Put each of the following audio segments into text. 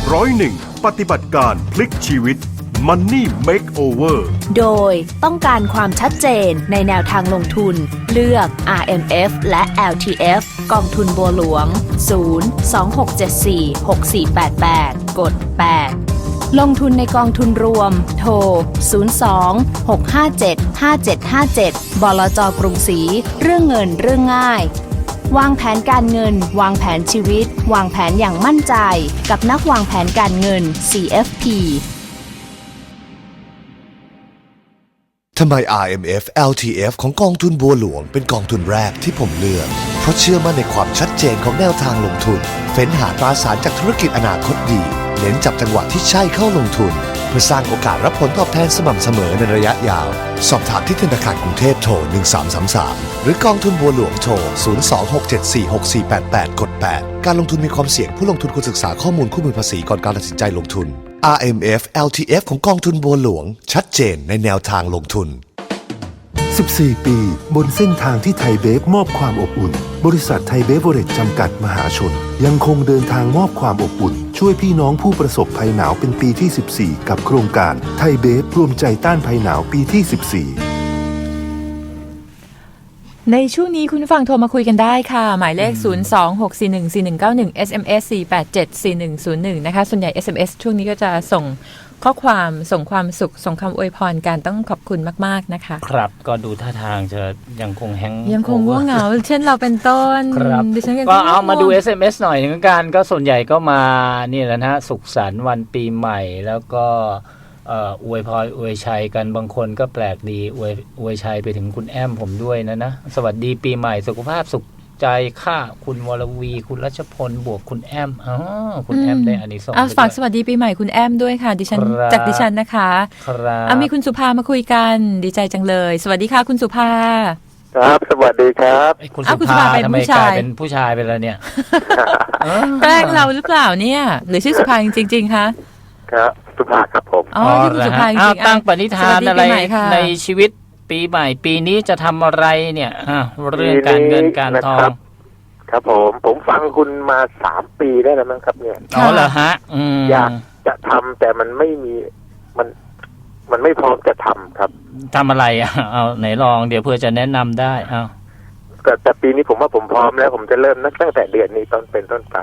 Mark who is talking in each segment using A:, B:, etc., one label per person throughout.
A: 101 ปฏิบัติการพลิกชีวิต Money Makeover
B: โดยต้องการความชัดเจนในแนวทางลงทุนเลือก RMF และ LTF กองทุนบัวหลวง 026746488 กด 8 ลงทุนในกองทุนรวม โทร 02-657-5757 บลจ.กรุงศรี เรื่องเงินเรื่องง่ายวางแผนการเงินวางแผนชีวิตวางแผนอย่างมั่นใจกับนักวางแผนการเงิน CFP
C: ทำไม RMF LTF ของกองทุนบัวหลวงเป็นกองทุนแรกที่ผมเลือกเพราะเชื่อมั่นในความชัดเจนของแนวทางลงทุนเฟ้นหาตราสารจากธุรกิจอนาคตดีเน้นจับจังหวะที่ใช่เข้าลงทุนเพื่อสร้างโอกาสรับผลตอบแทนสม่ำเสมอในระยะยาวสอบถามที่ธนาคารกรุงเทพโทร 1333 หรือกองทุนบัวหลวงโทร 026746488 กด 8 การลงทุนมีความเสี่ยงผู้ลงทุนควรศึกษาข้อมูลคู่มือภาษีก่อนการตัดสินใจลงทุน RMF LTF ของกองทุนบัวหลวงชัดเจนในแนวทางลงทุน
D: 14 ปีบนเส้นทางที่ไทยเบฟมอบความอบอุ่นบริษัทไทยเบฟเวอเรจจำกัดมหาชนยังคงเดินทางมอบความอบอุ่นช่วยพี่น้องผู้ประสบภัยหนาวเป็นปีที่ 14 กับโครงการไทยเบฟรวมใจต้านภัยหนาวปีที่ 14
E: ในช่วงนี้คุณฟังโทรมาคุยกันได้ค่ะหมายเลข 026414191 SMS 4874101 นะคะส่วนใหญ่ SMS ช่วงนี้ก็จะส่งข้อความส่งความสุขส่งคำอวยพรกันต้องขอบคุณมากๆนะคะ
F: ครับก็ดูท่าทางจะยังคง
E: ยังคงง่วงเหงาเช่นเราเป็นต้น
F: ครับ
E: ดิฉัน
F: ก็เอามาดู SMS หน่อยเหมือนกันก็ส่วนใหญ่ก็มานี่แหละนะสุขสันต์วันปีใหม่แล้วก็อวยพรอวยชัยกันบางคนก็แปลกดีอวยชัยไปถึงคุณแอมผมด้วยนะสวัสดีปีใหม่สุขภาพสุขใจค่าคุณวรวีคุณรัชพลบวกคุณแอมคุณแอมได้อานิสงส์
E: ฝากสวัสดีปีใหม่คุณแอมด้วยค่ะดิฉันจากดิฉันนะคะครับมีคุณสุภามาคุยกันดีใจจังเลยสวัสดีค่ะคุณสุภา
G: ครับสวัสดีครับ
F: คุณสุภาเป็นผู้ชายเป็นผู้ชายไปแล้วเนี่ย
E: แกล้งเราหรือเปล่าเนี่ยหรือชื่อสุภาจริงๆคะ
G: ครับสุภาครับผม
E: ที่คุณสุภาจริง
F: ๆตั้งปณิธานอะไรในชีวิตปีใหม่ปีนี้จะทำอะไรเนี่ยเรื่องการเงินการทอง
G: ครับผมฟังคุณมา3 ปีได้แล้วมั้งครับเนี่ย
F: เหรอฮะ
G: อยากจะทำแต่มันไม่มีมันไม่พร้อมจะทำครับ
F: ทำอะไรเอาไหนลองเดี๋ยวเพื่อจะแนะนำได้
G: แต่ปีนี้ผมว่าผมพร้อมแล้วผมจะเริ่มตั้งแต่เดือนนี้เป็นต้นไป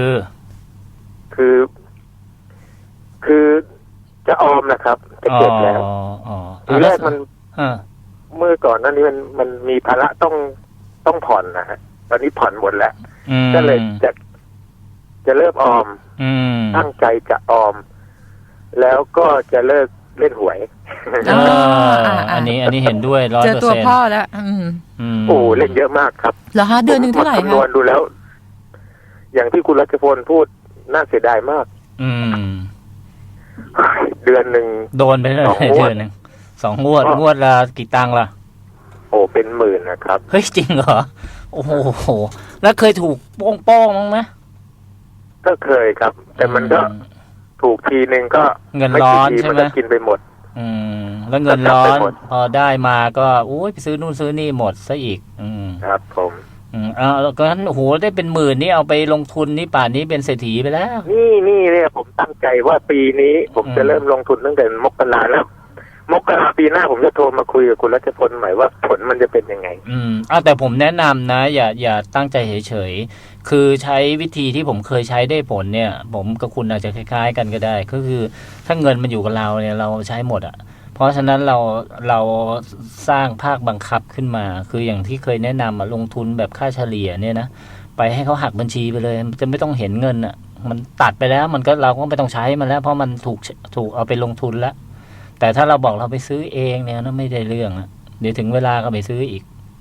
G: คือจะออมนะครับจะเก็บแล้วทีแรกมันเมื่อก่อนนั้นนี้มันมีภาระต้องผ่อนนะฮะตอนนี้ผ่อนหมดแล้วก็เลยจะเริ่มออมตั้งใจจะออมแล้วก็จะเลิกเล่นหวย
F: อันนี้เห็นด้วย 100%
E: เจอตัวพ่อแล้ว
G: โอ้เล่นเยอะมากครับ
E: เหรอฮะเดือนนึงเท่าไหร่คะ
G: คำนวณดูแล้วอย่างที่คุณรัชพลพูดน่าเสียดายมากเดือนหนึ่ง
F: โดนไปเลยเดือนหนึ่ง2 งวดละกี่ตังค์ล่ะ
G: โอ้เป็นหมื่นนะครับ
F: เฮ้ยจริงเหรอโอ้โหแล้วเคยถูกโป้งมั้งไหม
G: ก็เคยครับแต่มันก็ถูกทีนึงก็
F: เงินร้อนใช่ไหม
G: กินไปหมด
F: แล้วเงินร้อนพอได้มาก็ไปซื้อนู่นซื้อนี่หมดซะอีก
G: ครับผม
F: แล้วก็โอ้โหได้เป็นหมื่นนี่เอาไปลงทุนนี่ป่านนี้เป็นเศรษฐีไปแล้ว
G: นี่เนี่ยผมตั้งใจว่าปีนี้ผมจะเริ่มลงทุนตั้งแต่มกราแล้วมกราปีหน้าผมจะโทรมาคุยกับคุณรัชพลใหม่ว่าผลมันจะเป็นยังไง
F: แต่ผมแนะนำนะอย่าตั้งใจเฉยๆคือใช้วิธีที่ผมเคยใช้ได้ผลเนี่ยผมกับคุณอาจจะคล้ายๆกันก็ได้ก็คือถ้าเงินมันอยู่กับเราเนี่ยเราใช้หมดเพราะฉะนั้นเราสร้างภาคบังคับขึ้นมาคืออย่างที่เคยแนะนำลงทุนแบบค่าเฉลี่ยเนี่ยนะไปให้เขาหักบัญชีไปเลยจะไม่ต้องเห็นเงินมันตัดไปแล้วมันก็เราก็ไม่ต้องใช้มันแล้วเพราะมันถูกเอาไปลงทุนแล้วแต่ถ้าเราบอกเราไปซื้อเองเนี่ยไม่ได้เรื่องเดี๋ยวถึงเวลาก็ไปซื้ออีก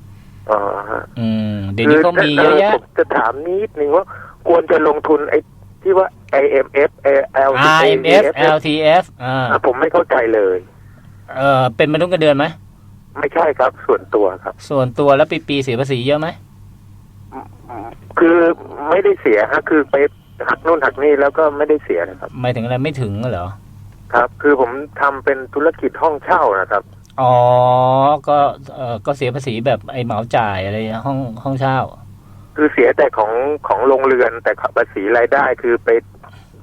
F: เดี๋ยวนี้ก็มีเยอะแยะ
G: ผมจะถามนิดนึงว่าควรจะลงทุนไอ้ที่ว่า IMF
F: LTF
G: ผมไม่เข้าใจเลย
F: เป็นมนุษย์เงินเดือนไหม
G: ไม่ใช่ครับส่วนตัวครับ
F: ส่วนตัวแล้วปีเสียภาษีเยอะไหม
G: คือไม่ได้เสียฮะคือไปหักนู่นหักนี่แล้วก็ไม่ได้เสียนะครับ
F: หมายถึงอะไรไม่ถึงเหรอ
G: ครับคือผมทำเป็นธุรกิจห้องเช่านะครับ
F: ก็เสียภาษีแบบไอ้เหมาจ่ายอะไรห้องเช่า
G: คือเสียแต่ของโรงเรือนแต่ภาษีรายได้คือไป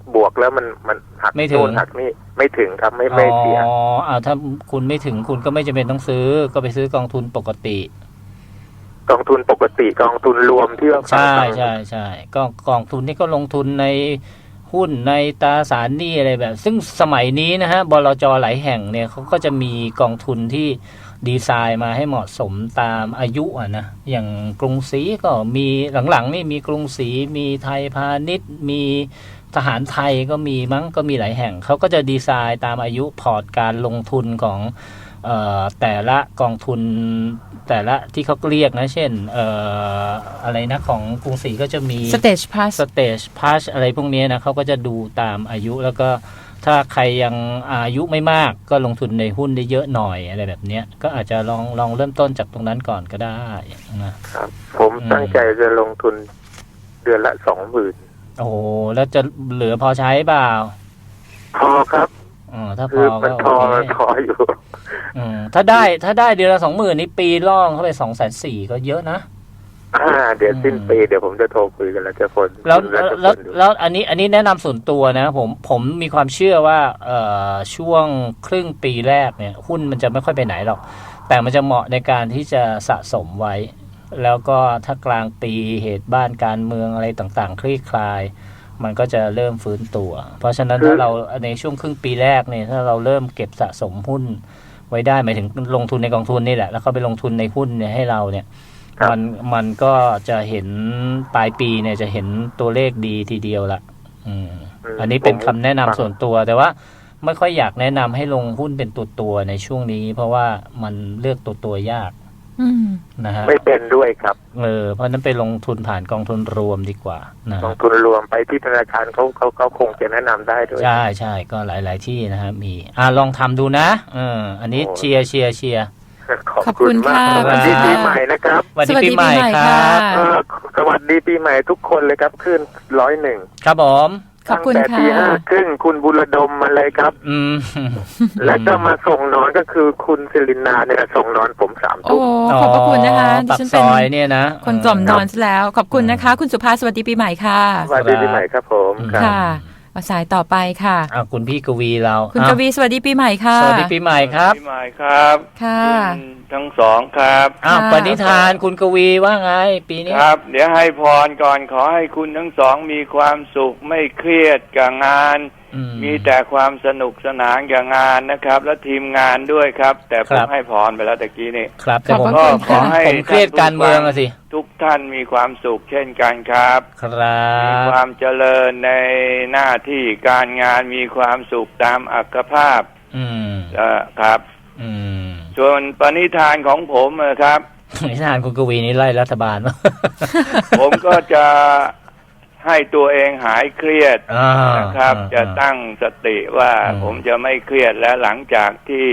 G: บวกแล้วมันหัก
F: ไม่ถึง
G: โน่นหักนี่ไม่ถึงครับไม่เสีย
F: ถ้าคุณไม่ถึงคุณก็ไม่จำเป็นต้องซื้อก็ไปซื้อกองทุนปกติ
G: กองทุนปกติกองทุนรวมที่ว่า
F: ใช่กองทุนนี่ก็ลงทุนในหุ้นในตราสารหนี้อะไรแบบ ซึ่งสมัยนี้นะฮะบลจ.หลายแห่งเนี่ยเขาก็จะมีกองทุนที่ดีไซน์มาให้เหมาะสมตามอายุนะอย่างกรุงศรีก็มีหลังๆนี่มีกรุงศรีมีไทยพาณิชย์มีทหารไทยก็มีมั้งก็มีหลายแห่งเขาก็จะดีไซน์ตามอายุพอร์ตการลงทุนของแต่ละกองทุนแต่ละที่เขาเรียกนะเช่นอะไรนะของกรุงศรีก็จะมี
E: Stage Plus
F: Stage Plus อะไรพวกนี้นะเขาก็จะดูตามอายุแล้วก็ถ้าใครยังอายุไม่มากก็ลงทุนในหุ้นได้เยอะหน่อยอะไรแบบนี้ก็อาจจะลองเริ่มต้นจากตรงนั้นก่อนก็ได้นะครับ
G: ผมตั้งใจจะลงทุนเดือนละ 20,000
F: โอ้โหแล้วจะเหลือพอใช้เปล่า
G: พอครับ
F: ถ้าพ
G: คือ อมันพออยู่
F: ถ้าได้เดือนละ 20,000นี่ปีล่องเข้าไป 240,000 ก็เยอะนะ
G: เดี๋ยวสิ้นปีเดี๋ยวผมจะโทรคุยกันแล้วจะคน
F: แล้วอันนี้แนะนำส่วนตัวนะผมมีความเชื่อว่าช่วงครึ่งปีแรกเนี่ยหุ้นมันจะไม่ค่อยไปไหนหรอกแต่มันจะเหมาะในการที่จะสะสมไว้แล้วก็ถ้ากลางปีเหตุบ้านการเมืองอะไรต่างๆคลี่คลายมันก็จะเริ่มฟื้นตัวเพราะฉะนั้นถ้าเราในช่วงครึ่งปีแรกเนี่ยถ้าเราเริ่มเก็บสะสมหุ้นไว้ได้หมายถึงลงทุนในกองทุนนี่แหละแล้วก็ไปลงทุนในหุ้นเนี่ยให้เราเนี่ยมันก็จะเห็นปลายปีเนี่ยจะเห็นตัวเลขดีทีเดียวละอันนี้เป็นคำแนะนำส่วนตัวแต่ว่าไม่ค่อยอยากแนะนำให้ลงหุ้นเป็นตัวในช่วงนี้เพราะว่ามันเลือกตัวยากนะฮะ
G: ไม่เป็นด้วยครับ
F: เพราะนั้นไปลงทุนผ่านกองทุนรวมดีกว่านะ
G: กองทุนรวมไปที่ธนาคารเขาคงจะแนะนำได้ด้วย
F: ใช่ก็หลายที่นะฮะมีลองทำดูนะอันนี้เชียร์
E: ขอบคุณค่ะ
G: สวัสดีปีใหม่นะครับ
F: สวัสดีปีใหม่ครับ
G: สวัสดีปีใหม่ทุกคนเลยครับขึ้น101
F: ครับผม
E: ขอบคุณค่ะ
G: ตั้งแต่ตี 5:30คุณบุรดมมาเลยครับและก็มาส่งนอนก็คือคุณศิรินาเนี่ยส่งนอนผม3 ทุ่ม
E: ขอบพระคุณนะคะ
F: ดิฉันเป็นเนี่ยนะ
E: คนกล่อมนอนซะแล้วขอบคุณนะคะคุณสุภาสวัสดีปีใหม่ค่ะ
G: สวัสดีปีใหม่ครับผม
E: ค่ะสายต่อไปค่ะ
F: คุณพี่กวีเรา
E: คุณกวีสวัสดีปีใหม่ค่ะ
F: สวัสดีปีใหม่ครับ
H: ปีใหม่ครับ
E: ค่ะ
H: ทั้งสองครับ
F: ปณิธานคุณกวีว่าไงปีนี้
H: ครับเดี๋ยวให้พรก่อนขอให้คุณทั้งสองมีความสุขไม่เครียดกับงานมีแต่ความสนุกสนานกับงานนะครับและทีมงานด้วยครับแต่ผมให้พรไปแล้วตะกี้นี่
F: ครับแต่ผมก็ขอให้ผมเครียดการเมืองสิ
H: ทุกท่านมีความสุขเช่นกันครับมีความเจริญในหน้าที่การงานมีความสุขตามอัตภาพครับส่วนปณิธานของผมครับ
F: ปณิธานคุณกวีนี่ไล่รัฐบาล
H: ผมก็จะให้ตัวเองหายเครียดนะครับจะตั้งสติว่าผมจะไม่เครียดและหลังจากที่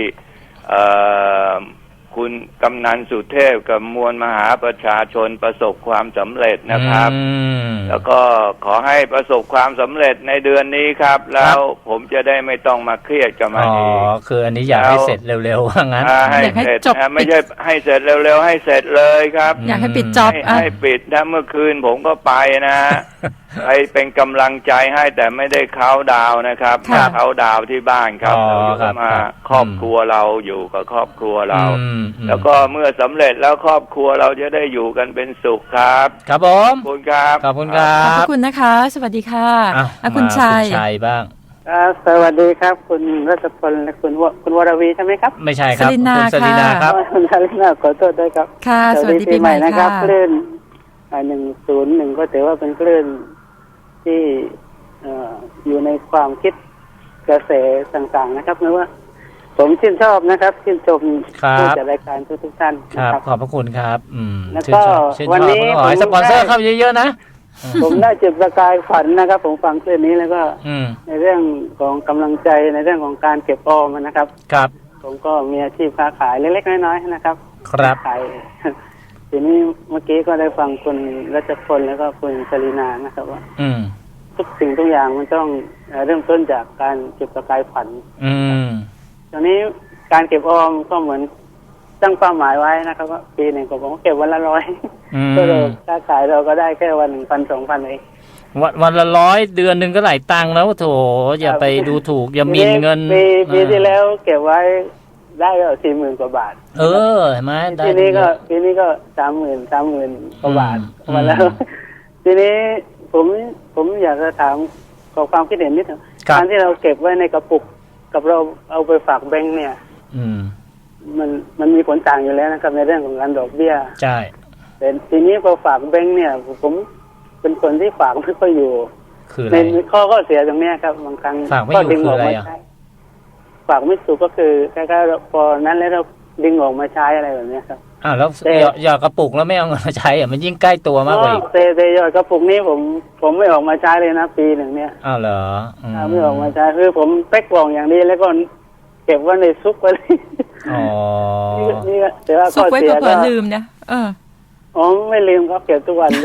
H: คุณกำนันสุเทพกับมวลมหาประชาชนประสบความสำเร็จนะครับแล้วก็ขอให้ประสบความสำเร็จในเดือนนี้ครับแล้วผมจะได้ไม่ต้องมาเครียดกับมันอีก
F: คืออันนี้อยากให้เสร็จเร็วๆว่างั้น
H: ให้เสร็จไม่ใช่ให้เสร็จเร็วๆให้เสร็จเลยครับ
E: อยากให้ปิดจ็อบ
H: ให้ปิดถ้าเมื่อคืนผมก็ไปนะไปเป็นกำลังใจให้แต่ไม่ได้เขาดาวนะครับเขาดาวที่บ้านครับเราอยู่มาครอบครัวเราอยู่กับครอบครัวเราแล้วก็เมื่อสำเร็จแล้วครอบครัวเราจะได้อยู่กันเป็นสุขครับ
F: ครับผม
H: ขอบคุณครับ
F: ขอบคุณครับ
E: ขอบคุณนะคะสวัสดีค่ะคุณชัย
F: บ้าง
I: สวัสดีครับคุณรัชพลและคุณวรวีใช่ไหมครับ
F: ไม่ใช่ครับ
E: คุณ
F: สลินาครับ
I: คุณสลินาขอโทษด้วยครับ
E: ค่ะสวัสดีปีใหม่
I: นะครับคลื่น101ก็ถือว่าเป็นคลื่นที่อยู่ในความคิดกระแสต่างๆนะครับไม่ว่าผมชื่นชอบนะครับชื่นชมผู้จัดรายการทุกท่าน
F: ครับขอบพระคุณครับ
I: แล้วก็วันนี้
F: ขอให้สปอนเซอร์เข้าเยอะๆนะ
I: ผมได้จุดประกายฝันนะครับผมฟังคลื่นนี้แล้วก็ในเรื่องของกำลังใจในเรื่องของการเก็บออมนะครับ
F: ครับ
I: ผมก็มีอาชีพค้าขายเล็กๆน้อยๆนะครับ
F: ครับ
I: ขายทีนี้เมื่อกี้ก็ได้ฟังคุณรัชพลแล้วก็คุณชลินานะครับว่าทุกสิ่งทุกอย่างมันต้องเริ่มต้นจากการจุดประกายฝันตอนนี้การเก็บออมก็เหมือนตั้งเป้าหมายไว้นะครับว่าปีหนึ่งผมก็เก็บวันละ100ก็เลยค้าขายเราก็ได้แค่วัน 1,000-2,000 เอง
F: วันละ100เดือนหนึ่งก็หลายตังค์แล้วโถอย่าไปดูถูกอย่าหมิ่นเงิน
I: ปีที่แล้วเก็บไว้ได้ก็40,000 กว่าบาท
F: เห็นไหม
I: ปีนี้ก็30,000 กว่าบาทมาแล้วทีนี้ผมอยากจะถามขอความคิดเห็นนิดนึงการที่เราเก็บไว้ในกระปุกกับเราเอาไปฝากแบงค์เนี่ยมันมีผลต่างอยู่แล้วนะครับในเรื่องของการดอกเบี้ย
F: ใช่
I: แต่ทีนี้พอฝากแบงค์เนี่ยผมเป็นคนที่ฝากไม่ค่อยอยู่
F: ใน
I: ข้อเสียตรงนี้ครับบางครั้ง
F: ก็ดึงออกมาใช้
I: ฝากไม่ถูกก็คือแค่พอนั้นแล้วเราดึงออกมาใช้อะไรแบบนี้ครับ
F: แล้วหยอดกระปุกแล้วไม่เอาเงินมาใช้มันยิ่งใกล้ตัวมากเลย
I: แต่หยอดกระปุกนี้ผมไม่ออกมาใช้เลยนะปีหนึ่งเนี่ย
F: เหรอ
I: ไม่ออกมาใช้คือผมเป๊กกล่องอย่างนี้แล้วก็เก็บไว้ในซุกไว้นี่แต่ว่า
E: ซุกไว้เผื่อลืมนะ
I: ไม่ลืมครับเก็บทุกวัน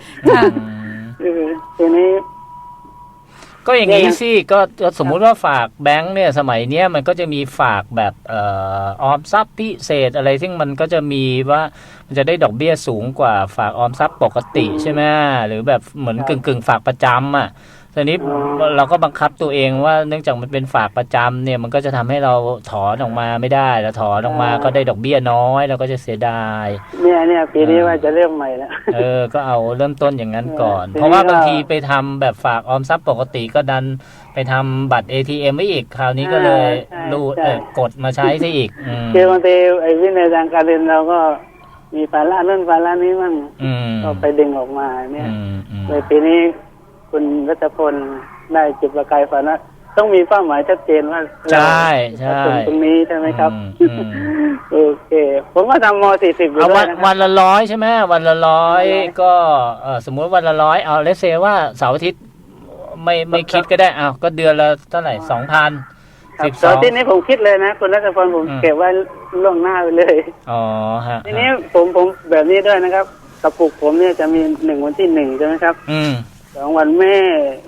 I: ทีนี้
F: ก็อย่างนี้สิก็สมมุติว่าฝากแบงค์เนี่ยสมัยเนี้ยมันก็จะมีฝากแบบออมทรัพย์พิเศษอะไรซึ่งมันก็จะมีว่ามันจะได้ดอกเบี้ยสูงกว่าฝากออมทรัพย์ปกติใช่ไหมหรือแบบเหมือนกึ่งฝากประจำอ่ะทีนี้เราก็บังคับตัวเองว่าเนื่องจากมันเป็นฝากประจำเนี่ยมันก็จะทำให้เราถอนออกมาไม่ได้แล้วถอนออกมาก็ได้ดอกเบี้ยน้อยเราก็จะเสียดาย
I: เนี่ยปีนี้ว่าจะเริ่มใหม่แล้ว
F: ก็เอาเริ่มต้นอย่างนั้นก่อนเพราะว่าบางทีไปทำแบบฝากออมทรัพย์ปกติก็ดันไปทำบัตร ATM ไม่อีกคราวนี้ก็เลยกดมาใช้ซะอีก
I: คือบางทีไอ้วินัยทางการเงินเราก็มีภาระนั่นภาระนี้มั่งก็ไปดึงออกมาเนี่ยในปีนี้คุณรัชพลได้จุดประกายฝันว่าต้องมีเป้าหมายชัดเจนว่า
F: ใช่
I: ตรงนี้ใช่ไหมครับโอเคผมก็ทำม.40อยู่ด้วยนะ
F: วันละ100ใช่ไหมวันละ100ก็สมมติวันละ100เอาเลเซว่าเสาร์อาทิตย์ไม่คิดก็ได้ก็เดือนละเท่าไหร่ 2,000
I: 12ที่นี้ผมคิดเลยนะคุณรัชพลผมเก็บไว้ล่วงหน้าไปเลย
F: ฮะ
I: ทีนี้ผมแบบนี้ด้วยนะครับกระปุกผมเนี่ยจะมี1 วันที่ 1ใช่ไหมครับ2 วันแม่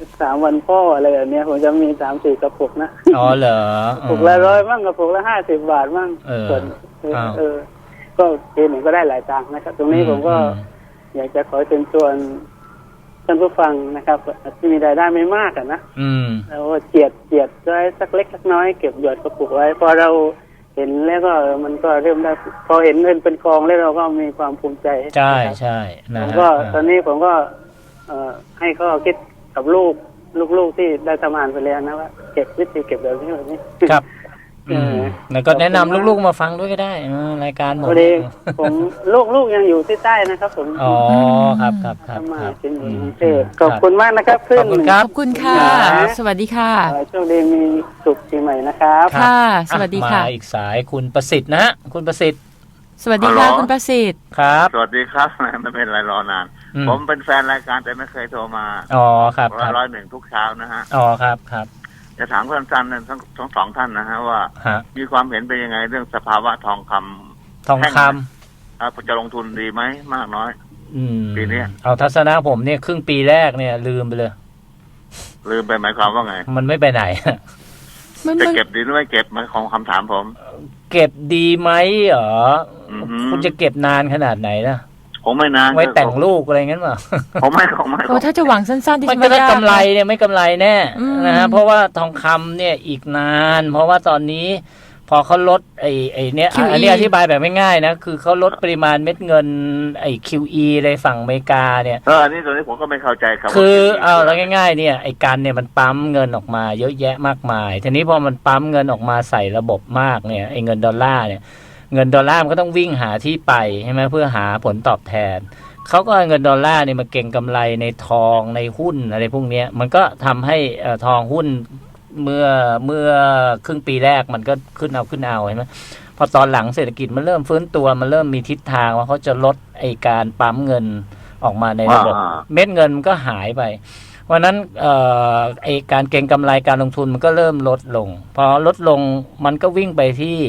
I: 3 วันพ่ออะไรแบบนี้ผมจะมี3-4 กระปุกนะ
F: เหรอก
I: ระปุกละ100บ้างกระปุกละ50 บาทบ้างส่วนก็ทีหนึ่งก็ได้หลายตังค์นะครับตรงนี้ผมก็อยากจะขอเชิญชวนท่านผู้ฟังนะครับที่มีรายได้ไม่มากนะแล้วเจียดไว้สักเล็กสักน้อยเก็บหยอดกระปุกไว้พอเราเห็นแล้วก็มันก็เริ่มได้พอเห็นเงินเป็นกองแล้วเราก็มีความภูมิใจ
F: ใช่
I: นะก็ตอนนี้ผมก็ให้เขาคิดกับลูกที่ได้ทำงานไปแล้วนะว่าเก็บวิธีเก็บแบบนี้
F: ครับแล้วก็แนะนำลูกๆมาฟังด้วยก็ได้รายการ
I: ผมลูกยังอยู่ที่ใต้นะครับผม
F: ครับ
I: มาเป็นกรุงเทพขอบคุณมากนะครับ
F: ขอบคุณครับ
E: ขอบคุณค่ะสวัสดีค่ะ
I: โชคดีมีสุขปีใหม่นะครับ
E: ค่ะสวัสดีค่ะ
F: มาอีกสายคุณประสิทธิ์นะคุณประสิทธิ์
E: สวัสดีค่ะคุณประสิทธิ์
F: ครับ
J: สวัสดีครับไม่เป็นไรรอนานผมเป็นแฟนรายการแต่ไม่เคยโทรมา
F: ครับ
J: 101ทุกเช้านะฮะ
F: ครับ
J: จะถามท่านทั้ง2 ท่านนะฮะว่ามีความเห็นเป็นยังไงเรื่องสภาวะทองคำจะลงทุนดีไหมมากน้อยปีนี้
F: เอาทัศนะผมเนี่ยครึ่งปีแรกเนี่ยลืมไปเลย
J: ลืมไปหมายความว่าไง
F: มันไม่ไปไหน
J: จะเก็บดีหรือไม่เก็บมันของคำถามผม
F: เก็บดีไหมคุณจะเก็บนานขนาดไหนนะ
J: ผมไม่นาน
F: ไว้แต่งลูกอะไรงั้นป่ะ
J: ผมไม่
E: ถ้าจะหวังสั้นๆที่
F: มันจะได้กำไรเนี่ยไม่กำไรแน่นะฮะเพราะว่าทองคำเนี่ยอีกนานเพราะว่าตอนนี้พอเขาลดไอ้เนี่ยอันนี้อธิบายแบบไม่ง่ายนะคือเขาลดปริมาณเม็ดเงินไอ้ QE ในฝั่งอเมริกาเนี่ย
J: อันนี้ตัวนี้ผมก็ไม่เข้าใจครับ
F: คือแล้วง่ายๆเนี่ยไอ้กันเนี่ยมันปั๊มเงินออกมาเยอะแยะมากมายทีนี้พอมันปั๊มเงินออกมาใส่ระบบมากเนี่ยไอ้เงินดอลลาร์เนี่ยเงินดอลลาร์มันก็ต้องวิ่งหาที่ไปใช่ไหมเพื่อหาผลตอบแทนเขาก็เอาเงินดอลลาร์เนี่ยมาเก็งกำไรในทองในหุ้นอะไรพวกนี้มันก็ทำให้ทองหุ้นเมื่อครึ่งปีแรกมันก็ขึ้นเอาใช่ไหมพอตอนหลังเศรษฐกิจมันเริ่มฟื้นตัวมันเริ่มมีทิศทางว่าเขาจะลดไอ้การปั๊มเงินออกมาในระบบเม็ดเงินมันก็หายไปเพราะนั้นไอ้การเก็งกำไรการลงทุนมันก็เริ่มลดลงพอลดลงมันก็วิ่งไปที่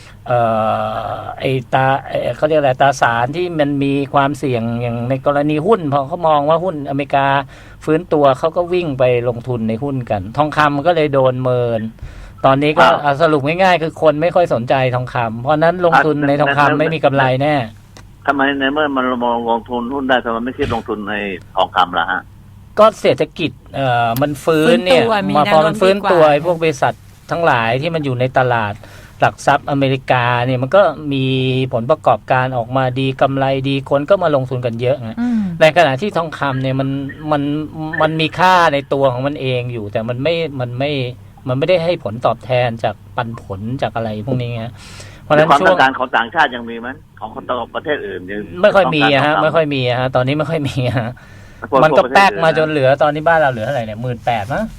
F: เขาเรียกอะไรตราสารที่มันมีความเสี่ยงอย่างในกรณีหุ้นพอเขามองว่าหุ้นอเมริกาฟื้นตัวเขาก็วิ่งไปลงทุนในหุ้นกันทองคำก็เลยโดนเมินตอนนี้ก็สรุปง่ายๆคือคนไม่ค่อยสนใจทองคำเพราะนั้นลงทุนในทองคำไม่มีกำไรแน่
J: ทำไมในเมื่อมันมองลงทุนหุ้นได้ทำไมไม่คิดลงทุนในทองคำล่ะฮะ
F: ก็เศรษฐกิจมันฟื้นเนี่ยพอมันฟื้นตัวพวกบริษัททั้งหลายที่มันอยู่ในตลาดหลักทรัพย์อเมริกาเนี่ยมันก็มีผลประกอบการออกมาดีกำไรดีคนก็มาลงทุนกันเยอะนะในขณะที่ทองคำเนี่ยมันมีค่าในตัวของมันเองอยู่แต่มันไม่ได้ให้ผลตอบแทนจากปันผลจากอะไรพวกนี้ไงเพราะฉะนั้น
J: ความต้องการของต่างชาติยังมีมั้ยของคนต่างประเทศอื่นยัง
F: ไม่ค่อยมีฮะไม่ค่อยมีฮะตอนนี้ไม่ค่อยมีฮะมันก็แป๊กมาจนเหลือตอนนี้บ้านเราเหลือเท่าไหร่เนี่ย 18,000 มั้ง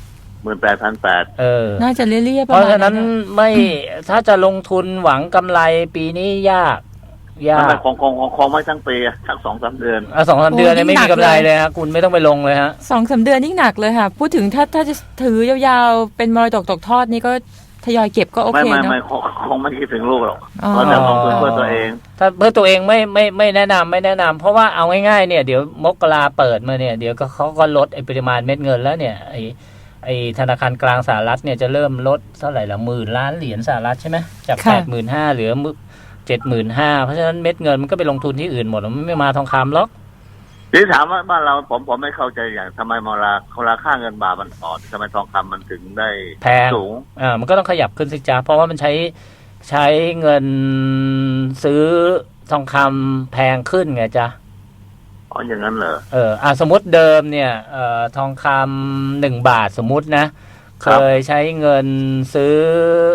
J: 18,800
E: น่าจะเลี่ยๆประมาณ
F: เพราะฉะนั้นไม่ถ้าจะลงทุนหวังกำไรปีนี้ยาก
J: มันคงไม่ทั้งปีทั้ง 2-3 เดือน
F: 2-3 เดือนเนี่ยไม่มีกำไรเลยฮะคุณไม่ต้องไปลงเลยฮะ
E: 2-3 เดือนยิ่งหนักเลยค่ะพูดถึงถ้าจะถือยาวๆเป็นมรดกตกทอดนี่ก็ทยอยเก็บก็โอเคเนาะ
J: ไม่คงไม่คิดถึงลูกหรอกเพราะจะลงทุนเพื่อตัวเอง
F: ถ้าเพื่อตัวเองไม่แนะนำเพราะว่าเอาง่ายๆเนี่ยเดี๋ยวมกราเปิดมาเนี่ยเดี๋ยวเขาก็ลดปริมาณเม็ดเงินแล้วเนี่ยไอธนาคารกลางสหรัฐเนี่ยจะเริ่มลดเท่าไหร่ละ10,000 ล้านเหรียญสหรัฐใช่ไหมจาก 85,000 เหลือ 75,000 เพราะฉะนั้นเม็ดเงินมันก็ไปลงทุนที่อื่นหมดมันไม่มาทองคำหรอก
J: ที่ถามว่าบ้านเราผมไม่เข้าใจอย่างทำไมราคาเงินบาทมันอ่อนทำไมทองคำมันถึงได้
F: แพงสูงมันก็ต้องขยับขึ้นสิจ๊ะเพราะว่ามันใช้เงินซื้อทองคำแพงขึ้นไงจ๊ะ
J: อย่างนั้นเหรอ
F: สมมติเดิมเนี่ยทองคำ1 บาทสมมุตินะเคยใช้เงินซื้อ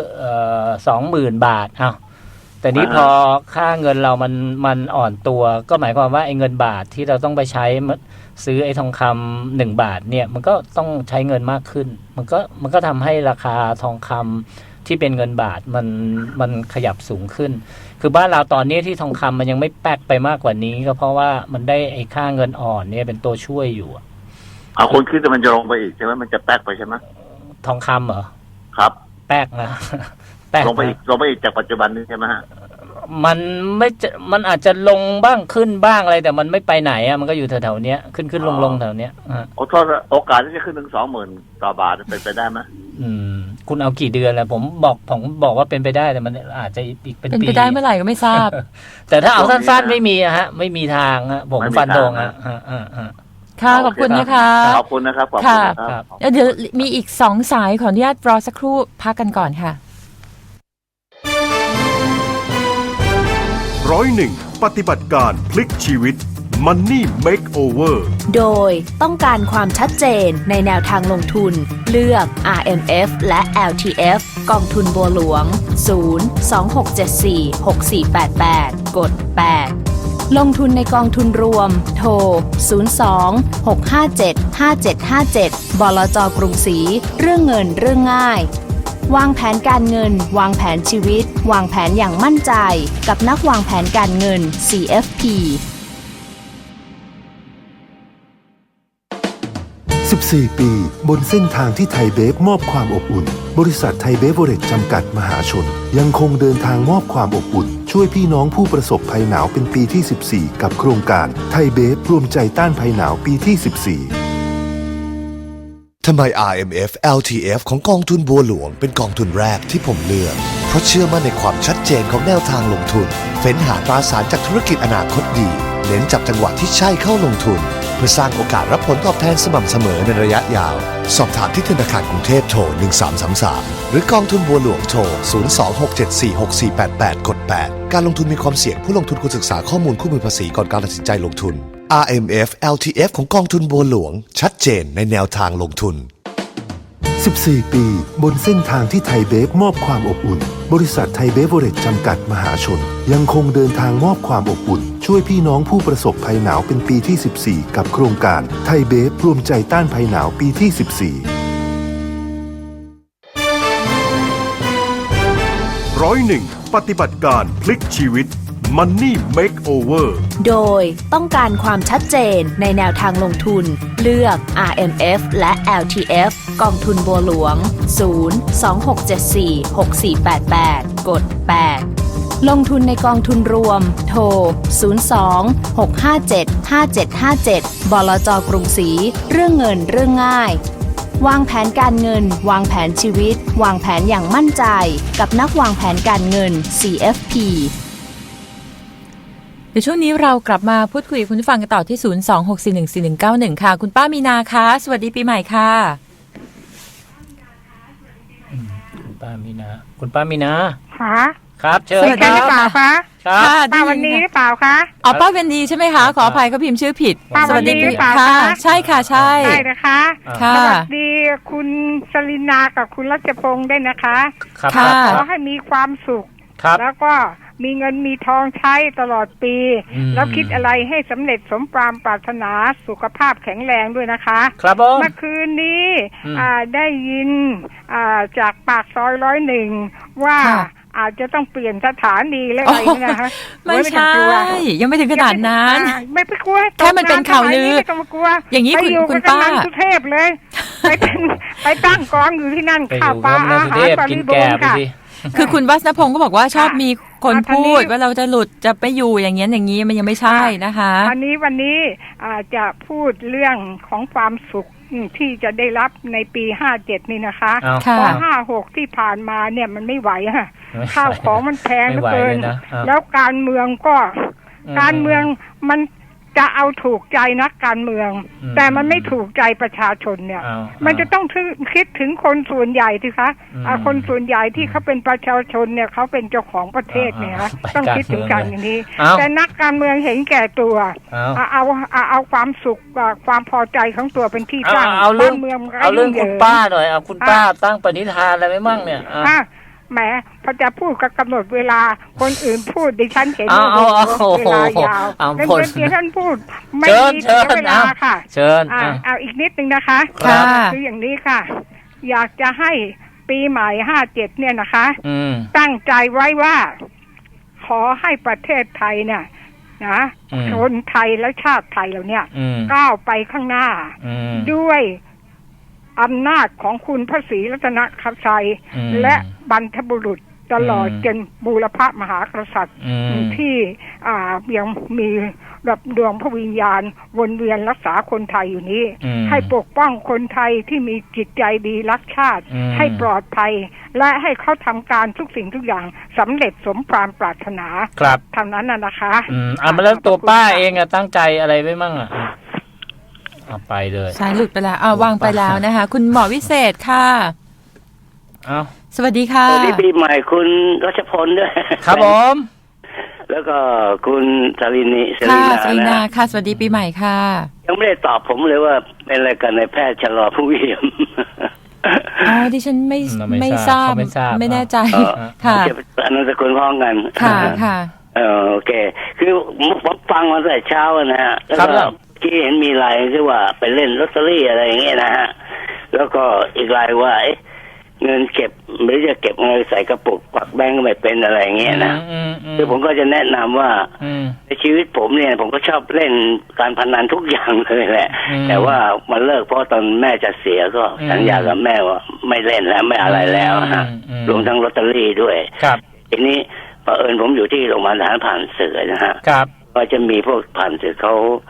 F: 20,000 บาทแต่นี้พอค่าเงินเรามันอ่อนตัวก็หมายความว่าไอ้เงินบาทที่เราต้องไปใช้ซื้อไอ้ทองคำ1 บาทเนี่ยมันก็ต้องใช้เงินมากขึ้นมันก็ทำให้ราคาทองคำที่เป็นเงินบาทมันขยับสูงขึ้นคือบ้านเราตอนนี้ที่ทองคำมันยังไม่แป๊กไปมากกว่านี้ก็เพราะว่ามันได้ไอ้ค่าเงินอ่อนเนี่ยเป็นตัวช่วยอยู่
J: คุณคิดว่ามันจะลงไปอีกใช่ไหมมันจะแป๊กไปใช่ไหม
F: ทองคำเหรอ
J: ครับ
F: แป๊กนะ
J: ลงไปอีกจากปัจจุบันนี้ใช่ไหมฮะ
F: มันอาจจะลงบ้างขึ้นบ้างอะไรแต่มันไม่ไปไหนมันก็อยู่แถวๆเนี้ยขึ้นลงแถวเนี้ย
J: โอกาสที่จะขึ้นถึง 20,000 ต่อบาทเป็นไปได้ไหม
F: คุณเอากี่เดือนแล้วผมบอกว่าเป็นไปได้แต่มันอาจจะอีกเป็นปี
E: ไปได้เมื่อไหร่ก็ไม่ทราบ
F: แต่ถ้าเอาสั้นๆไม่มีไม่มีทางผมฟันธง
E: ค่ะขอบคุณนะคะ
J: ขอบคุณนะครับ
E: ค่ะเดี๋ยวมีอีก2 สายขออนุญาตรอสักครู่พักกันก่อนค่ะ
A: 101 ปฏิบัติการพลิกชีวิต Money Makeover
B: โดยต้องการความชัดเจนในแนวทางลงทุนเลือก RMF และ LTF กองทุนบัวหลวง 026746488 กด 8 ลงทุนในกองทุนรวมโทร 02-657-5757 บลจ.กรุงศรีเรื่องเงินเรื่องง่ายวางแผนการเงินวางแผนชีวิตวางแผนอย่างมั่นใจกับนักวางแผนการเงิน CFP
D: 14 ปีบนเส้นทางที่ไทยเบฟมอบความอบอุ่นบริษัทไทยเบฟเวอเรจจำกัดมหาชนยังคงเดินทางมอบความอบอุ่นช่วยพี่น้องผู้ประสบภัยหนาวเป็นปีที่ 14 กับโครงการไทยเบฟรวมใจต้านภัยหนาวปีที่ 14
C: ทำไม RMF LTF ของกองทุนบัวหลวงเป็นกองทุนแรกที่ผมเลือกเพราะเชื่อมั่นในความชัดเจนของแนวทางลงทุนเฟ้นหาตราสารจากธุรกิจอนาคตดีเน้นจับจังหวะที่ใช่เข้าลงทุนเพื่อสร้างโอกาสรับผลตอบแทนสม่ำเสมอในระยะยาวสอบถามที่ธนาคารกรุงเทพโทร 1333 หรือกองทุนบัวหลวงโทร 026746488 กด 8 การลงทุนมีความเสี่ยงผู้ลงทุนควรศึกษาข้อมูลคู่มือภาษีก่อนการตัดสินใจลงทุน RMF LTF ของกองทุนบัวหลวงชัดเจนในแนวทางลงทุน
D: 14 ปีบนเส้นทางที่ไทยเบฟมอบความอบอุ่นบริษัทไทยเบฟเวอเรจจำกัดมหาชนยังคงเดินทางมอบความอบอุ่นช่วยพี่น้องผู้ประสบภัยหนาวเป็นปีที่ 14 กับโครงการไทยเบฟรวมใจต้านภัยหนาวปีที่
A: 14 101 ปฏิบัติการพลิกชีวิต Money Makeover
B: โดยต้องการความชัดเจนในแนวทางลงทุนเลือก RMF และ LTF กองทุนบัวหลวง 026746488 กด 8 ลงทุนในกองทุนรวมโทร 02-657-5757 บลจ.กรุงศรีเรื่องเงินเรื่องง่ายวางแผนการเงินวางแผนชีวิตวางแผนอย่างมั่นใจกับนักวางแผนการเงิน CFP
E: เดี๋ยวช่วงนี้เรากลับมาพูดคุยกับคุณผู้ฟังกันต่อที่026414191ค่ะคุณป้ามีนาคะสวัสดีปีใหม่ค่ะ
F: คุณป้ามีนา
K: ค่ะ
F: ครับเชิญ
K: สวัสดีหรือเปล่าคะ
F: ครับ
K: ป้าวันนี้หรือเปล่าคะ
E: อ๋อป้าเวนดีใช่ไหมคะขออภัยเขาพิมพ์ชื่อผิด
K: ป้าวันนี้หรือเปล่า
E: ค่ะ
K: คะ
E: ใช่ค่ะใช่
K: ใช่นะคะ
E: ค่ะ
K: สวัสดีคุณสลินากับคุณรัชพงษ์ด้วยนะคะ
F: ครับ
E: ค่ะ
K: ขอให้มีความสุข
F: ครับ
K: แล้วก็มีเงินมีทองใช้ตลอดปี แล้วคิดอะไรให้สำเร็จสมความปรารถนาสุขภาพแข็งแรงด้วยนะคะ
F: ครับผม
K: เมื่อคืนนี้ได้ยินจากปากซอย101ว่าอาจจะต้องเปลี่ยนสถานีและอะไรนะคะ
E: ไม่ใช่ยังไม่ถึงขนาดนั้น
K: ไม่ไปกลัว
E: แค่มันเป็นข่าวลือ
K: ไม่ต้องมากลัว
E: อย่างนี้คุณป้า
K: ไปอยู่กับกำนันสุเทพเลย ไปตั้งกองอยู่ที่นั่นข้าวปลาอาหารบริบูรณ์ค่ะ
E: คือคุณวัฒนพงศ์ก็บอกว่าชอบมีคนพูดว่าเราจะหลุดจะไปอยู่อย่างเงี้ยอย่างนี้มันยังไม่ใช่นะคะ
K: วันนี้จะพูดเรื่องของความสุขที่จะได้รับในปี57นี่นะคะเพราะ56ที่ผ่านมาเนี่ยมันไม่ไหวฮะข้าวของมันแพงเหลือเกินแล้วการเมืองมันจะเอาถูกใจนักการเมืองแต่มันไม่ถูกใจประชาชนเนี่ยมันจะต้องคิดถึงคนส่วนใหญ่สิคะคนส่วนใหญ่ที่เขาเป็นประชาชนเนี่ยเขาเป็นเจ้าของประเทศเนี่ยนะต้องคิดถึงกันอย่างนี้แต่นักการเมืองเห็นแก่ตัวเอาความสุขความพอใจของตัวเป็นที่ตั้งบ้านเมือง
F: เอาเรื่องคุณป้าหน่อยเอาคุณป้าตั้งปณิธานอะไรไว้มั่งเนี่ย
K: แหมพอจะพูดก็กำหนดเวลาคนอื่นพูดดิฉันเห็นเวลายาวแล้วดิฉันพูดไม่มีเวลาค่ะ
F: เชิญ
K: เอาอีกนิดนึงนะคะคืออย่างนี้ค่ะอยากจะให้ปีใหม่57เนี่ยนะคะตั้งใจไว้ว่าขอให้ประเทศไทยเนี่ยนะคนไทยและชาติไทยเราเนี่ยก้าวไปข้างหน้าด้วยอำนาจของคุณพระศรีรัตนตรัยและบรรพบุรุษตลอดจนบูรพมหากษัตริย์ที่ยังมีแบบดวงพระวิญญาณวนเวียนรักษาคนไทยอยู่นี้ให้ปกป้องคนไทยที่มีจิตใจดีรักชาติให้ปลอดภัยและให้เขาทำการทุกสิ่งทุกอย่างสำเร็จสมความปรารถนา
F: ครับ
K: เท่านั้นนะคะ
F: มาแล้วตัวป้าเองตั้งใจอะไรไว้มั่งไปเลย
E: สายหลุดไปแล้ววางไปแล้วนะคะคุณหมอวิเศษค่ะสวัสดีค่ะ
L: สวัสดีปีใหม่คุณรัชพลด้วย
F: ครับผม
L: แล้วก็คุณสลินี
E: ค่ะสวัสดีปีใหม่ค่ะ
L: ยังไม่ได้ตอบผมเลยว่าเป็นอะไรกันในแพทย์ชะลอผู้เยี่ยม
E: ดิฉันไม่ทราบไม่แน่ใจค่ะ
L: อันนั้นสกุลพ้องกัน
E: ค่ะ
L: โอเคคือผมฟังมาตั้งแต่เช้านะฮะแล้วก็ที่เห็นมีรายที่ว่าไปเล่นลอตเตอรี่อะไรอย่างเงี้ยนะฮะแล้วก็อีกรายว่าเงินเก็บหรือจะเก็บเงินใส่กระปุกปักแบงก์ไม่เป็นอะไรอย่างเงี้ยนะคือผมก็จะแนะนำว่าในชีวิตผมเนี่ยผมก็ชอบเล่นการพนันทุกอย่างเลยแหละแต่ว่ามันเลิกเพราะตอนแม่จะเสียก็สัญญากับแม่ว่าไม่เล่นแล้วไม่อะไรแล้วฮะรวมทั้งลอตเตอรี่ด้วยทีนี้เผอิญผมอยู่ที่โรงพยาบาลทหารผ่านศึกนะฮะก็จะมีพวกผ่านศึก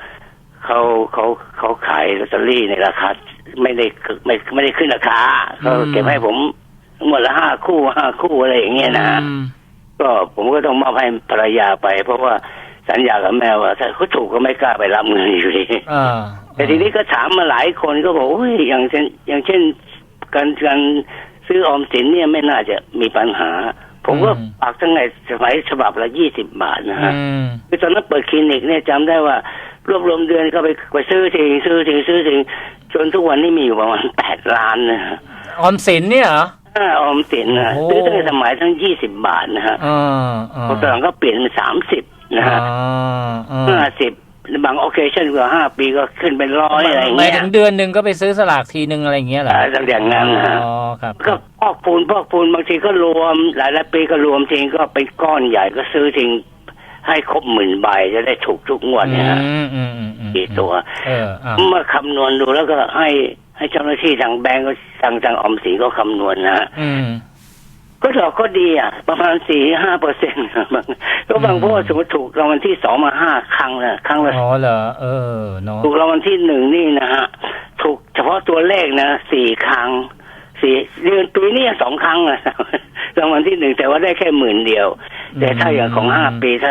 L: เขาขายลอตเตอรี่ในราคาไม่ได้ขึ้นราคาเขาเก็บให้ผมหมดละ5 คู่อะไรอย่างเงี้ยนะก็ผมก็ต้องมอบให้ภรรยาไปเพราะว่าสัญญากับแม่ว่าถ้าเขาถูกก็ไม่กล้าไปรับเงินอยู่ดีแต่ทีนี้ก็ถามมาหลายคนก็บอกโอ้ยอย่างเช่นการซื้อออมสินเนี่ยไม่น่าจะมีปัญหาผมก็ฝากทั้งในสมัยฉบับละ20 บาทนะฮะคือตอนนั้นเปิดคลินิกเนี่ยจำได้ว่ารวบรวมเดือนก็ไปซื้อทิ้งจนทุกวันนี้มีอยู่ประมาณ8 ล้านนะฮะ
F: ออมสินเนี่ยเหรอ
L: ออมสินนะซื้อตั้งแต่สมัยทั้ง20 บาทนะฮะพอตอนหลังก็เปลี่ยนเป็น30นะฮะ50บางโอเคชั่นกว่า5 ปีก็ขึ้นเป็น100อะไรอย่างเงี้ย
F: ถึงเดือนนึงก็ไปซื้อสลากทีนึงอะไรอย่างเงี้ยเหรอ
L: อย่างนั้นนะ
F: ครับ
L: ก็พอกพูนบางทีก็รวมหลายปีก็รวมทีก็เป็นก้อนใหญ่ก็ซื้อทิ้งให้ครบ10,000 ใบจะได้ถูกทุกงวดเนี่ยฮะกี่ตัวเมื่อคำนวณดูแล้วก็ให้เจ้าหน้าที่ทางแบงก์ก็ทางออมสินก็คำนวณนะฮะก็ดอกก็ดีประมาณ 4-5% ก็บางพวกสมมติถูกรางวัลที่2มา5 ครั้งนะครั้งละ
F: เหรอเนาะ
L: ถูกรางวัลที่1นี่นะฮะถูกเฉพาะตัวเลขนะ4 ครั้ง4 เดือนปีนี้2 ครั้งนะรางวัลที่1แต่ว่าได้แค่10,000 เดียวแต่ถ้าอย่างของ5 ปีถ้า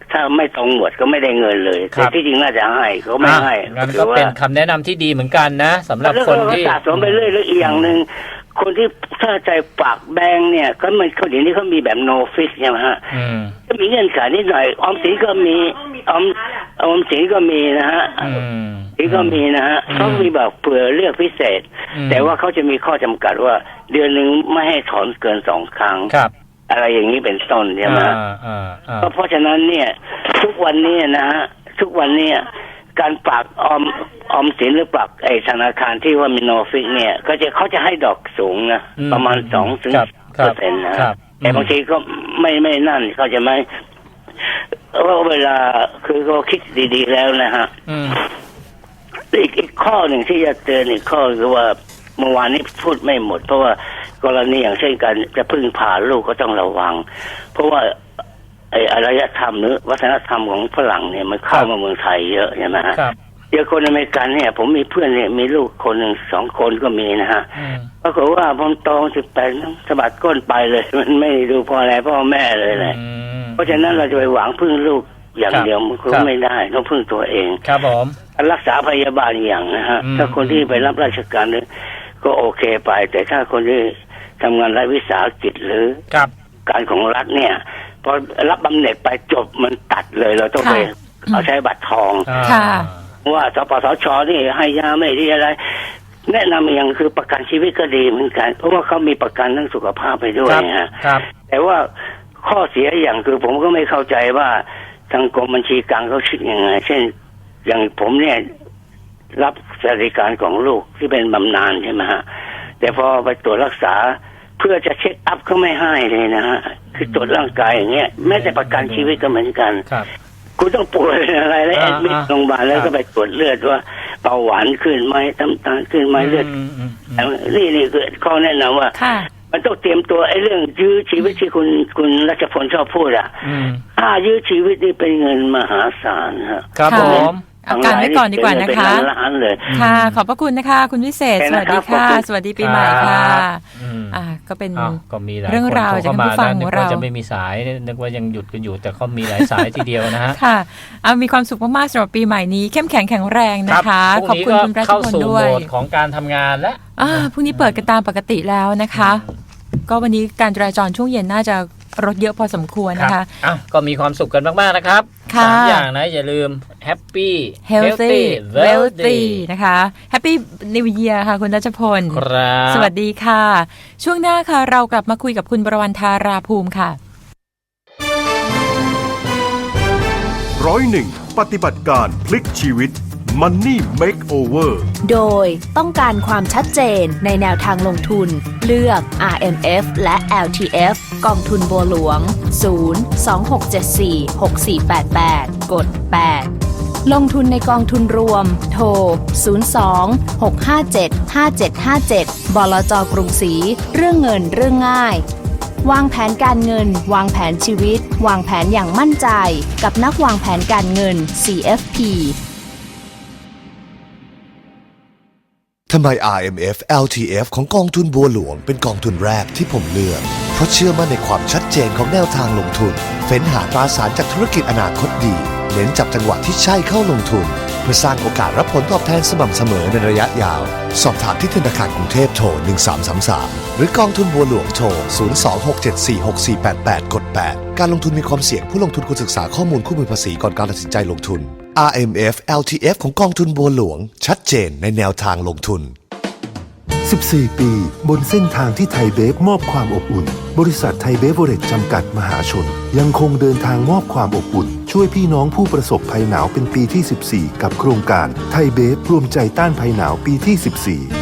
L: ถ้าไม่ตรงหมดก็ไม่ได้เงินเลยแต่ที่จริงน่าจะให้เขาไม่ให้
F: งั้นก็เป็นคำแนะนำที่ดีเหมือนกันนะสำหรับคนที่
L: สะสมไปเรื่อยๆอีกอย่างหนึ่งคนที่ถ้าใจฝากแบงค์เนี่ยก็มันเขาเดี๋ยวนี้เขามีแบบ no fix ใช่ไหมฮะก็มีเงื่อนไขนิดหน่อยออมสินก็มีออมสินก็มีนะฮะสินก็มีนะฮะเขามีแบบเผื่อเลือกพิเศษแต่ว่าเขาจะมีข้อจำกัดว่าเดือนหนึ่งไม่ให้ถอนเกิน2 ครั้งอะไรอย่างนี้เป็นต้นใช่ไหมเพราะฉะนั้นเนี่ยทุกวันนี้นะฮะทุกวันนี้การฝากออมสินหรือฝากไอ้ธนาคารที่ว่ามีโนฟิกเนี่ยเขาจะให้ดอกสูงนะประมาณ2-10%นะแต่บางทีก็ไม่นั่นเขาจะไม่ว่าเวลาคือเขาคิดดีๆแล้วนะฮะอีกข้อหนึ่งที่จะเตือนอีกข้อคือว่าเมื่อวานนี้พูดไม่หมดเพราะว่ากรณีอย่างเช่นการจะพึ่งพาลูกก็ต้องระวังเพราะว่าไอ้อารยธรรมหรือวัฒนธรรมของฝรั่งเนี่ยมันเข้ามาเมืองไทยเยอะใช่ไหมฮะเยอะคนอเมริกันเนี่ยผมมีเพื่อนเนี่ยมีลูกคนหนึ่ง2 คนก็มีนะฮะปรากฏว่าพอโต18สะบัดก้นไปเลยมันไม่ดูพ่ออะไรพ่อแม่เลยแหละเพราะฉะนั้นเราจะไปหวังพึ่งลูกอย่างเดียวมันก็ไม่ได้ต้องพึ่งตัวเอง
F: ครับผม
L: การรักษาพยาบาลอย่างนะฮะถ้าคนที่ไปรับราชการเนี่ยก็โอเคไปแต่ถ้าคนที่ทำงานรัฐวิสาหกิจหรือการของรัฐเนี่ยพอรับบำเหน็จไปจบมันตัดเลยเราต้องไปเอาใช้บัตรทองว่าสปสช.นี่ให้ยาไม่ดีอะไรแนะนำอย่างคือประกันชีวิตก็ดีเหมือนกันเพราะว่าเขามีประกันทั้งสุขภาพไปด้วยฮะแต่ว่าข้อเสียอย่างคือผมก็ไม่เข้าใจว่าทางกรมบัญชีกลางเขาคิดยังไงเช่นอย่างผมเนี่ยรับสวัสดิการของลูกที่เป็นบำนาญใช่ไหมฮะแต่พอไปตรวจรักษาเพื่อจะเช็คอัพเขาไม่ให้เลยนะฮะคือตรวจร่างกายอย่างเงี้ยแม้แต่ประกันชีวิตก็เหมือนกันคุณต้องป่วยอะไรแล้วแอดมิดโรงพยาบาลแล้วก็ไปตรวจเลือดว่าเบาหวานขึ้นไหมน้ำตาลขึ้นไหมเลือดนี่คือข้อแนะนำว่ามันต้องเตรียมตัวไอ้เรื่องยื้อชีวิตที่คุณรัชพลชอบพูดอ่ะยื้อชีวิตนี่เป็นเงินมหาศาล
F: ครับผม
E: เอาการไว้ก่อนดีกว่านะคะค่ะขอบพระคุณนะคะคุณวิเศษสวัสดีค่ะสวัสดีปีใหม่ค่ะก็เป็นเรื่องราวจากผู้ฟังของเรา
F: จะไม่มีสายนึกว่ายังหยุดกันอยู่แต่เขามีหลายสายทีเดียวนะฮะ
E: ค่ะมีความสุขมากๆสำหรับปีใหม่นี้เข้มแข็งแข็งแรงนะคะขอบคุณคุณรัชพลด้วย
F: เข้าสู่โหมดของการทำงานแล้ว
E: พรุ่งนี้เปิดกันตามปกติแล้วนะคะก็วันนี้การจราจรช่วงเย็นน่าจะรถเยอะพอสมควรนะคะ
F: ก็มีความสุขกันมากๆนะครับ3 อย่างนะอย่าลืม Happy
E: Healthy Wealthy นะคะ Happy New Year ค่ะคุณรัชพลสวัสดีค่ะช่วงหน้าค่ะเรากลับมาคุยกับคุณประวันธาราภูมิค่ะ
A: 101 ปฏิบัติการพลิกชีวิต Money Makeover
B: โดยต้องการความชัดเจนในแนวทางลงทุนเลือก RMF และ LTF กองทุนบัวหลวง 026746488 กด 8 ลงทุนในกองทุนรวมโทร 02-657-5757 บลจ.กรุงศรีเรื่องเงินเรื่องง่ายวางแผนการเงินวางแผนชีวิตวางแผนอย่างมั่นใจกับนักวางแผนการเงิน CFP
C: ทำไม RMF LTF ของกองทุนบัวหลวงเป็นกองทุนแรกที่ผมเลือกเพราะเชื่อมั่นในความชัดเจนของแนวทางลงทุนเฟ้นหาตราสารจากธุรกิจอนาคตดีเน้นจับจังหวะที่ใช่เข้าลงทุนเพื่อสร้างโอกาสรับผลตอบแทนสม่ำเสมอในระยะยาวสอบถามที่ธนาคารกรุงเทพโทร 1333 หรือกองทุนบัวหลวงโทร 026746488 กด 8 การลงทุนมีความเสี่ยงผู้ลงทุนควรศึกษาข้อมูลคู่มือภาษีก่อนการตัดสินใจลงทุน RMF LTF ของกองทุนบัวหลวงชัดเจนในแนวทางลงทุน
D: 14 ปีบนเส้นทางที่ไทยเบฟมอบความอบอุ่นบริษัทไทยเบฟเวอเรจจำกัดมหาชนยังคงเดินทางมอบความอบอุ่นช่วยพี่น้องผู้ประสบภัยหนาวเป็นปีที่ 14 กับโครงการไทยเบฟรวมใจต้านภัยหนาวปีที่ 14